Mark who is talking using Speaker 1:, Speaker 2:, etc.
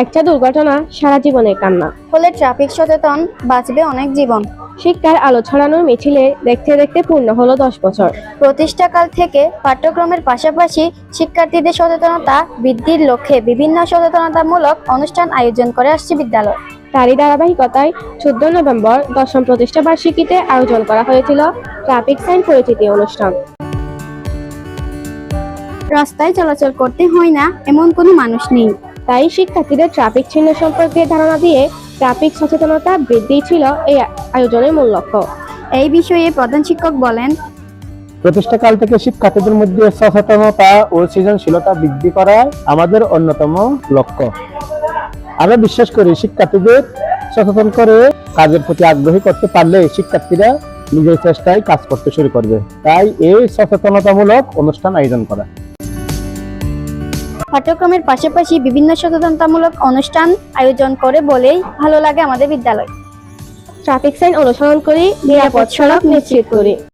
Speaker 1: একটা দুর্ঘটনা সারা জীবনের কান্না।
Speaker 2: ফলে ট্রাফিক সচেতন বাঁচবে অনেক জীবন।
Speaker 1: শিক্ষার আলো ছড়ানোর মিছিলে দেখতে দেখতে পূর্ণ হলো 10 বছর।
Speaker 2: প্রতিষ্ঠাকাল থেকে পাঠ্যক্রমের পাশাপাশি শিক্ষার্থীদের সচেতনতা বৃদ্ধির লক্ষ্যে বিভিন্ন সচেতনতামূলক অনুষ্ঠান আয়োজন করে আসছে বিদ্যালয়।
Speaker 1: তারই ধারাবাহিকতায় 14 নভেম্বর 10ম প্রতিষ্ঠা বার্ষিকীতে আয়োজন করা হয়েছিল ট্রাফিক সাইন পরিচিতি অনুষ্ঠান।
Speaker 2: রাস্তায় চলাচল করতে হয় না এমন কোনো মানুষ নেই,
Speaker 1: তাই শিক্ষার্থীদের ট্রাফিক চিহ্ন সম্পর্কে ধারণা দিয়ে ট্রাফিক সচেতনতা বৃদ্ধি ছিল এই আয়োজনের মূল লক্ষ্য।
Speaker 2: এই বিষয়ে প্রধান শিক্ষক বলেন,
Speaker 3: প্রতিষ্ঠাকাল থেকে শিক্ষার্থীদের মধ্যে সচেতনতা ও সৃজনশীলতা বৃদ্ধি করা আমাদের অন্যতম লক্ষ্য। আমরা বিশ্বাস করি শিক্ষার্থীদের সচেতন করে কাজের প্রতি আগ্রহী করতে পারলে শিক্ষার্থীরা নিজের চেষ্টায় কাজ করতে শুরু করবে। তাই এই সচেতনতামূলক অনুষ্ঠান আয়োজন করা।
Speaker 2: পাঠ্যক্রমের পাশাপাশি বিভিন্ন সচেতনতামূলক অনুষ্ঠান আয়োজন করে বলেই ভালো লাগে আমাদের বিদ্যালয়।
Speaker 1: ট্রাফিক সাইন অনুসরণ করি, নিরাপদ সড়ক নিশ্চিত করি।